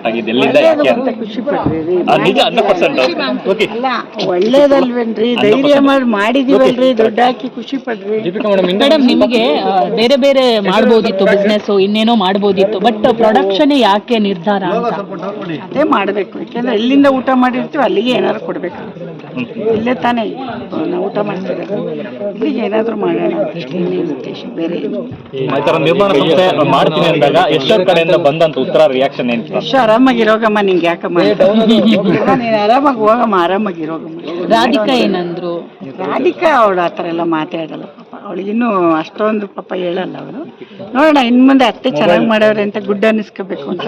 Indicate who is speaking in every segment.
Speaker 1: ಆಗಿದ್ದು ಎಲ್ಲಿಂದ ಯಾಕೆ ಅಂತ
Speaker 2: ಖುಷಿ ಪಡ್ರಿ
Speaker 1: ನಿಜ 100%. ಓಕೆ
Speaker 2: ಅಲ್ಲ ಒಳ್ಳೇದಲ್ವೇನ್ರಿ, ಧೈರ್ಯ ಮಾಡಿದೀವಲ್ರಿ, ದುಡ್ಡು ಹಾಕಿ ಖುಷಿ ಪಡ್ರಿ.
Speaker 3: ಮೇಡಮ್, ನಿಮಗೆ ಬೇರೆ ಬೇರೆ ಮಾಡ್ಬೋದಿತ್ತು ಬಿಸ್ನೆಸ್, ಇನ್ನೇನೋ ಮಾಡ್ಬೋದಿತ್ತು, ಬಟ್ ಪ್ರೊಡಕ್ಷನ್ ಯಾಕೆ ನಿರ್ಧಾರ ಅಂತ?
Speaker 2: ಅದೇ ಮಾಡ್ಬೇಕು, ಯಾಕೆಂದ್ರೆ ಎಲ್ಲಿಂದ ಊಟ ಮಾಡಿರ್ತೀವಿ ಅಲ್ಲಿಗೆ ಏನಾದ್ರು ಕೊಡ್ಬೇಕು. ಇಲ್ಲೇ ತಾನೇ ನಾವು ಊಟ ಮಾಡ್ತಿರೋದು, ಇಲ್ಲಿಗೆ ಏನಾದ್ರು ಮಾಡೋಣ ಉದ್ದೇಶ, ಬೇರೆ
Speaker 1: ಈ ತರ ನಿರ್ಮಾಣ ಸಂಸ್ಥೆ ಮಾಡ್ತೀನಿ ಅಂದಾಗ ಎಷ್ಟೊಂದು ಕಡೆಯಿಂದ ಬಂದಂತ ಉತ್ತರ ರಿಯಾಕ್ಷನ್ ಏನು?
Speaker 2: ಎಷ್ಟು ಆರಾಮಾಗಿರೋಗಮ್ಮ, ನಿಂಗೆ ಯಾಕಮ್ಮ, ನೀನು ಆರಾಮಾಗಿ ಹೋಗಮ್ಮ, ಆರಾಮಾಗಿರೋಗಮ್ಮ.
Speaker 3: ರಾಧಿಕಾ ಏನಂದ್ರು?
Speaker 2: ರಾಧಿಕಾ ಅವಳು ಆ ಥರ ಎಲ್ಲ ಮಾತಾಡಲ್ಲ ಪಾಪ, ಅವಳಿಗಿನ್ನೂ ಅಷ್ಟೊಂದು ಪಾಪ ಹೇಳಲ್ಲ ಅವಳು. ನೋಡೋಣ ಇನ್ನು ಮುಂದೆ ಅತ್ತೆ ಚೆನ್ನಾಗಿ ಮಾಡವ್ರೆ ಅಂತ ಗುಡ್ ಅನ್ನಿಸ್ಕೋಬೇಕು ಅಂತ.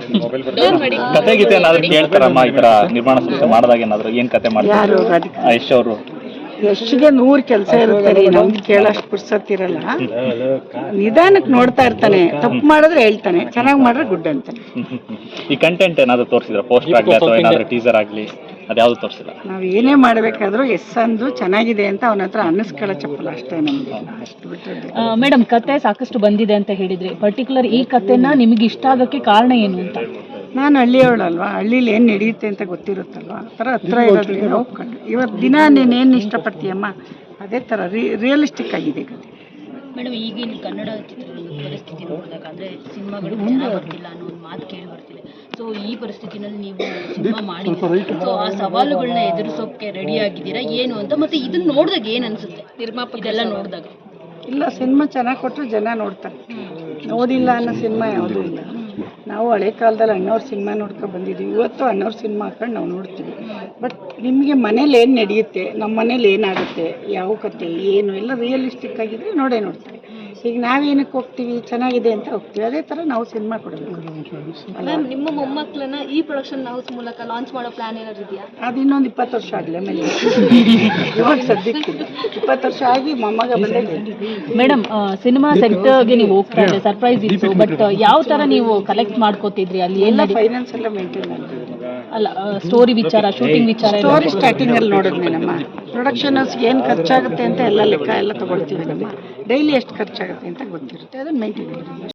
Speaker 1: ಕತೆ ಗೀತೆ ಏನಾದ್ರು ಕೇಳ್ತಾರಮ್ಮ ಈ ತರ ನಿರ್ಮಾಣ ಸಂಸ್ಥೆ ಮಾಡಿದಾಗ? ಏನಾದ್ರು ಏನ್ ಕತೆ ಮಾಡ್ತಾರೆ?
Speaker 2: ಯಾರು? ರಾಧಿಕಾ
Speaker 1: ಯಶ್ ಅವರು
Speaker 2: ಎಷ್ಟಿಗೆ 100 ಕೆಲಸ ಇರುತ್ತೆ ರೀ, ನಮ್ಗೆ ಕೇಳೋಷ್ಟು ಪುರ್ಸತ್ತಿರಲ್ಲ. ನಿಧಾನಕ್ಕೆ ನೋಡ್ತಾ ಇರ್ತಾನೆ, ತಪ್ಪು ಮಾಡಿದ್ರೆ ಹೇಳ್ತಾನೆ, ಚೆನ್ನಾಗಿ ಮಾಡಿದ್ರೆ ಗುಡ್ ಅಂತಾನೆ.
Speaker 1: ಈ ಕಂಟೆಂಟ್ ಏನಾದ್ರು ತೋರಿಸಿದ್ರ? ಪೋಸ್ಟರ್ ಆಗ್ಲಿ ಅಥವಾ ಏನಾದ್ರು ಟೀಸರ್ ಆಗ್ಲಿ, ಅದ್ಯಾವ್ದು ತೋರಿಸಿಲ್ಲ?
Speaker 2: ನಾವು ಏನೇ ಮಾಡಬೇಕಾದ್ರೂ ಅಂದು ಚೆನ್ನಾಗಿದೆ ಅಂತ ಅವನ ಹತ್ರ ಅನ್ನಿಸ್ಕೊಳ್ಳೋ ಚಪ್ಪಲ್ಲ ಅಷ್ಟೇ ನಮ್ಗೆ, ಅಷ್ಟು ಬಿಟ್ಟರೆ.
Speaker 3: ಮೇಡಮ್, ಕತೆ ಸಾಕಷ್ಟು ಬಂದಿದೆ ಅಂತ ಹೇಳಿದ್ರಿ, ಪರ್ಟಿಕ್ಯುಲರ್ ಈ ಕತೆನ ನಿಮಗೆ ಇಷ್ಟ ಆಗೋಕ್ಕೆ ಕಾರಣ ಏನು ಅಂತ?
Speaker 2: ನಾನು ಹಳ್ಳಿಯವಳಲ್ವಾ, ಹಳ್ಳೀಲಿ ಏನು ನಡೆಯುತ್ತೆ ಅಂತ ಗೊತ್ತಿರುತ್ತಲ್ವ, ಆ ಥರ ಹತ್ರ ಇರೋದ್ರಿಂದ ಹೋಗ್ಕೊಂಡು ಇವತ್ತು ದಿನ ನೀನೇನು ಇಷ್ಟಪಡ್ತೀಯಮ್ಮ ಅದೇ ಥರ ರಿಯಲಿಸ್ಟಿಕ್ ಆಗಿದೆ ಕತೆ.
Speaker 4: ಮೇಡಮ್, ಈಗಿನ ಕನ್ನಡ ಚಿತ್ರರಂಗದ ಪರಿಸ್ಥಿತಿ ನೋಡಿದಾಗ ಅಂದರೆ ಸಿನಿಮಾಗಳು ಚೆನ್ನಾಗಿ ಬರ್ತಿಲ್ಲ ಅನ್ನೋ ಒಂದು ಮಾತು ಕೇಳಿ ಬರ್ತಿದೆ. ಸೊ ಈ ಪರಿಸ್ಥಿತಿನಲ್ಲಿ ನೀವು ಸಿನಿಮಾ ಮಾಡಿದ್ದೀರಿ, ಸೊ ಆ ಸವಾಲುಗಳನ್ನ ಎದುರಿಸೋಕೆ ರೆಡಿ ಆಗಿದ್ದೀರಾ ಏನು ಅಂತ? ಮತ್ತು ಇದನ್ನ ನೋಡಿದಾಗ ಏನು ಅನಿಸುತ್ತೆ ನಿರ್ಮಾಪಕ ಇದೆಲ್ಲ ನೋಡಿದಾಗ?
Speaker 2: ಇಲ್ಲ, ಸಿನಿಮಾ ಚೆನ್ನಾಗಿ ಕೊಟ್ಟರು ಜನ ನೋಡ್ತಾರೆ, ನೋಡಿಲ್ಲ ಅನ್ನೋ ಸಿನಿಮಾ ಯಾವುದೂ ಇಲ್ಲ. ನಾವು ಹಳೆ ಕಾಲದಲ್ಲಿ ಅಣ್ಣವ್ರ ಸಿನಿಮಾ ನೋಡ್ಕೊಂಡು ಬಂದಿದ್ದೀವಿ, ಇವತ್ತು ಅಣ್ಣವ್ರ ಸಿನಿಮಾ ಹಾಕೊಂಡು ನಾವು ನೋಡ್ತೀವಿ. ಬಟ್ ನಿಮಗೆ ಮನೇಲಿ ಏನು ನಡೆಯುತ್ತೆ, ನಮ್ಮ ಮನೇಲಿ ಏನಾಗುತ್ತೆ, ಯಾವ ಕತೆ ಏನು ಎಲ್ಲ ರಿಯಲಿಸ್ಟಿಕ್ ಆಗಿದ್ರೆ ನೋಡ್ತಾರೆ. ಈಗ ನಾವೇನಕ್ಕೆ ಹೋಗ್ತೀವಿ, ಚೆನ್ನಾಗಿದೆ ಅಂತ ಹೋಗ್ತೀವಿ, ಅದೇ ಥರ ನಾವು ಸಿನಿಮಾ ಕೊಡಬೇಕು.
Speaker 4: ಮ್ಯಾಮ್, ನಿಮ್ಮ ಮೊಮ್ಮಕ್ಕಳನ್ನ ಈ ಪ್ರೊಡಕ್ಷನ್ ಹೌಸ್ ಮೂಲಕ ಲಾಂಚ್ ಮಾಡೋ ಪ್ಲಾನ್ ಏನಾದ್ರು ಇದೆಯಾ?
Speaker 2: ಅದು ಇನ್ನೊಂದು 20 ವರ್ಷ ಆಗಲಿ, ಆಮೇಲೆ ಇವಾಗ ಸದ್ಯಕ್ಕೆ 20 ವರ್ಷ ಆಗಿ ಮೊಮ್ಮಗ ಬಂದ.
Speaker 3: ಮೇಡಮ್, ಸಿನಿಮಾ ಸೆಕ್ಟರ್ಗೆ ನೀವು ಹೋಗ್ತಾ ಇದ್ರೆ ಸರ್ಪ್ರೈಸ್ ಇತ್ತು, ಬಟ್ ಯಾವ ಥರ ನೀವು ಕಲೆಕ್ಟ್ ಮಾಡ್ಕೋತಿದ್ರಿ ಅಲ್ಲಿ?
Speaker 2: ಎಲ್ಲ ಫೈನಾನ್ಸ್ ಎಲ್ಲ ಮೇಂಟೈನ್ ಮಾಡಿದ್ವಿ.
Speaker 3: ಅಲ್ಲ, ಸ್ಟೋರಿ ವಿಚಾರ, ಶೂಟಿಂಗ್ ವಿಚಾರ,
Speaker 2: ಸ್ಟೋರಿ ಸ್ಟಾರ್ಟಿಂಗಲ್ಲಿ ನೋಡಿದ್ವಿ. ನಮ್ಮ ಪ್ರೊಡಕ್ಷನ್ ಹೌಸ್ಗೆ ಏನು ಖರ್ಚಾಗುತ್ತೆ ಅಂತ ಎಲ್ಲ ಲೆಕ್ಕ ಎಲ್ಲ ತೊಗೊಳ್ತೀವಿ. ನಮ್ಮ ಡೈಲಿ ಎಷ್ಟು ಖರ್ಚಾಗುತ್ತೆ ಅಂತ ಗೊತ್ತಿರುತ್ತೆ, ಅದನ್ನು ಮೇಂಟೈನ್ ಮಾಡಿ.